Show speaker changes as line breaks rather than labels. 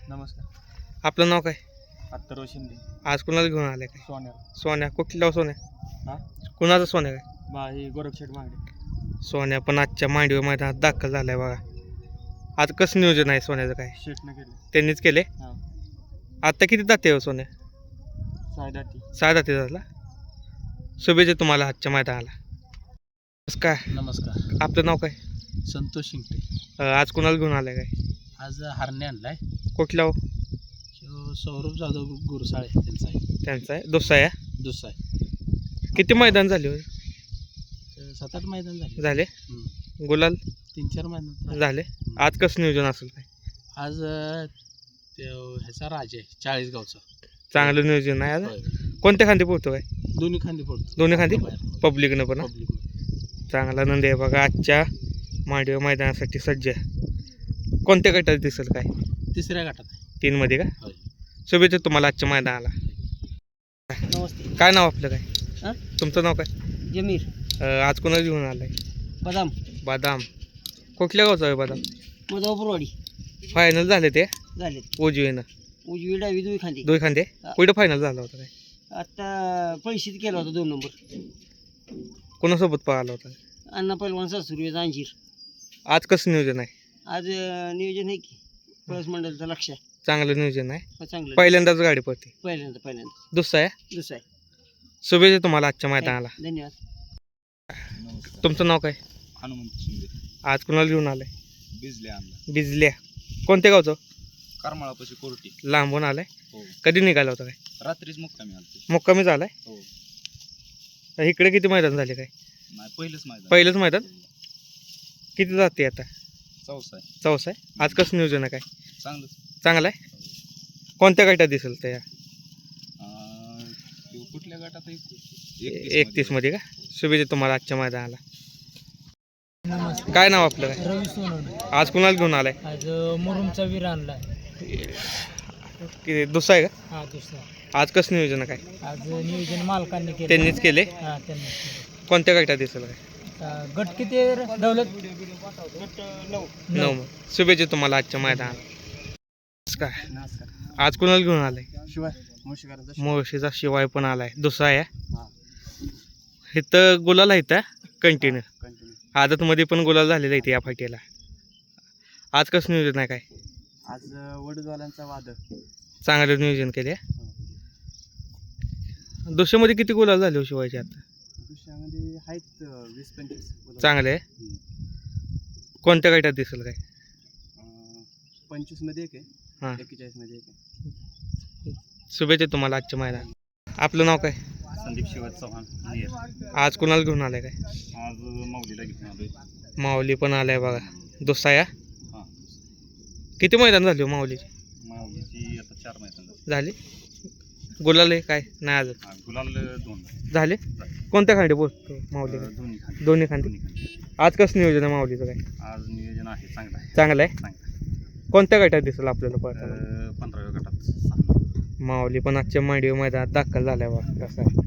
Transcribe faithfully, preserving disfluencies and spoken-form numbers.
नमस्कार.
आपलं नाव काय?
अत्तरव शिंदे.
आज कुणाला घेऊन आलाय काय?
सोन्या.
सोन्या कुठला सोन्या?
हा
कुणाचा सोन्या काय?
बा ही गोरखशेठ मागणे.
सोन्या पण आजच्या मांडवी मैदानात दाखल झालाय बघा. आज कसं नियोजन आहे सोन्याचं काय?
शेटनं केलं.
त्यांनीच केले.
हा
आता किती जाते हो सोन्या?
सायदाती.
सहा जाते झाला. शुभेच्छा तुम्हाला आजच्या मैदानाला. नमस्कार.
नमस्कार.
आपलं नाव काय?
संतोष शिंगटे.
अं, आज कुणाला घेऊन आलाय काय?
आज हरणे आणलाय.
कुठला हो?
ह्यो सौरभ जाधव गुरुसाळे त्यांचा आहे.
त्यांचा आहे दुसरा आहे.
दुसरा आहे.
किती मैदान झाले हो?
तर सात आठ मैदान झाले.
झाले.
हम्म.
गुलाल
तीन चार मैदान
झाले. आज कसं नियोजन असेल काय?
आज अं, ते ह्याचा राज आहे चाळीसगावचा.
चांगलं नियोजन आहे आज.
होय.
कोणत्या खांदी पोहतो काय?
दोन्ही खांदी पडतो.
दोन्ही खांदी पब्लिकनं पण हा?
पब्लिक.
चांगला नंदी आहे बघा. आजच्या मांडवी मैदानासाठी सज्ज आहे. कोणत्या गटात दिसेल काय?
तिसऱ्या गटात आहे.
तीन मध्ये का?
होय.
शुभेच्छा तुम्हाला आजच्या मैदानाला.
नमस्ते.
काय नाव आपलं काय?
हां
तुमचं नाव काय?
जमीर
अं, आज कोणाला घेऊन आलाय?
बदाम
बदाम. कुठल्या गावचा आहे बदाम?
मधवापूरवाडी
फायनल झाले ते
झाले.
उजवीनं
उजवी डावी दुई खांदी.
दोन खांदे.
हा.
कुठं फायनल झाला होता काय?
आता पैसेच केला होता दोन नंबर.
कोणासोबत पाहिला होता?
अण्णा पैलवान सासुरवेचा अंजीर.
आज कसं नियोजन आहे?
आज अं, नियोजन आहे की पळस मंडळचं लक्ष आहे.
चांगलं नियोजन आहे.
हो, चांगलं.
पहिल्यांदाच गाडी पडते.
पहिल्यांदा पहिल्यांदा
दुसरा आहे.
दुसरं आहे.
शुभेच्छा तुम्हाला आजच्या मैदानाला.
धन्यवाद.
तुमचं नाव काय?
हनुमंत शिंदे.
आज कुणाला घेऊन आलाय?
बिजले आणला.
बिजल्या. कोणत्या गावचं?
करमाळापाशी कोर्टी.
लांबून आलाय.
हो.
कधी निघाला होता काय?
रात्रीच मुक्कामी आलते.
मुक्कामी झालाय.
हो.
इकडे किती मैदान झाले काय?
नाही पहिलंच मैदान.
पहिलंच मैदान. किती जाते आता?
चौसा आहे.
चौसा आहे. आज कसं नियोजन आहे काय?
चांगलंच.
चांगलं आहे. कोणत्या गटात दिसेल त्या?
अं, तो कुठल्या गटात आहे?
एकतीस मध्ये का? शुभेच्छा तुम्हाला आजच्या मैदानाला.
नमस्ते.
काय नाव आपलं काय?
रवी सोनवणे.
आज कुणाला घेऊन आलाय?
आज मुरुमचा वीर आणलाय.
किती दुसरा आहे का?
हा दुसरा.
आज कसं नियोजन आहे काय?
आज नियोजन मालकांनी केलं.
त्यांनीच केले.
हा त्यांनी केलं.
कोणत्या गटात दिसेल काय?
आता गट किती आहे रे? दौलत गट नऊ.
नऊ. शुभेच्छा तुम्हाला आजच्या मैदानाला. नमस्कार.
नमस्कार.
आज कुणाला घेऊन आलाय?
शिवाय मुळशीकरांचा.
मुळशीचा शिवाय पण आलाय. दुसरा आहे.
हा
इथं गुलाल आहे इथं कंटिन्यू.
कंटिन्यू.
आदतमध्ये पण गुलाल झालेला आहे या फाटीला. आज कसं नियोजन आहे काय?
आज वडूदवाल्यांचा वादळ.
चांगलं नियोजन केले. दुसऱ्यामध्ये किती गुलाल झाले हो शिवायचे आता?
दुसऱ्यामध्ये आहेत वीस पंचवीस.
चांगले आहे. कोणत्या गटात दिसेल काय?
पंचवीस मध्ये एक
हां.
आहे. एक्केचाळीस मध्ये एक आहे.
शुभेच्छा तुम्हाला आजच्या मैदान. आपलं नाव काय?
संदीप शिवाजी चव्हाण नेर.
आज कुणाला घेऊन आलाय काय?
आज माऊलीला घेऊन आलोय.
माऊली पण आलाय बघा. दुसरा या.
हां.
किती मैदान झाले हो माऊलीची?
माऊलीची आता चार मैदान झाली.
झाले. गुलाल आहे काय? नाही अजून
हा, गुलाल दोन
झाले. कोणत्या खांडी बोलतो माऊली?
अं, दोन्ही खाली.
दोन्ही खांदी.
दोन्ही खाली.
आज कसं नियोजन आहे माऊलीचं काय?
आज नियोजन आहे चांगलं आहे.
चांगलं आहे.
चांगलं आहे.
कोणत्या गटात दिसेल आपल्याला पळताना?
अं, पंधराव्या गटात सहा.
माऊली पण आजच्या मांडवी मैदानात दाखल झालाय बघा. कसं आहे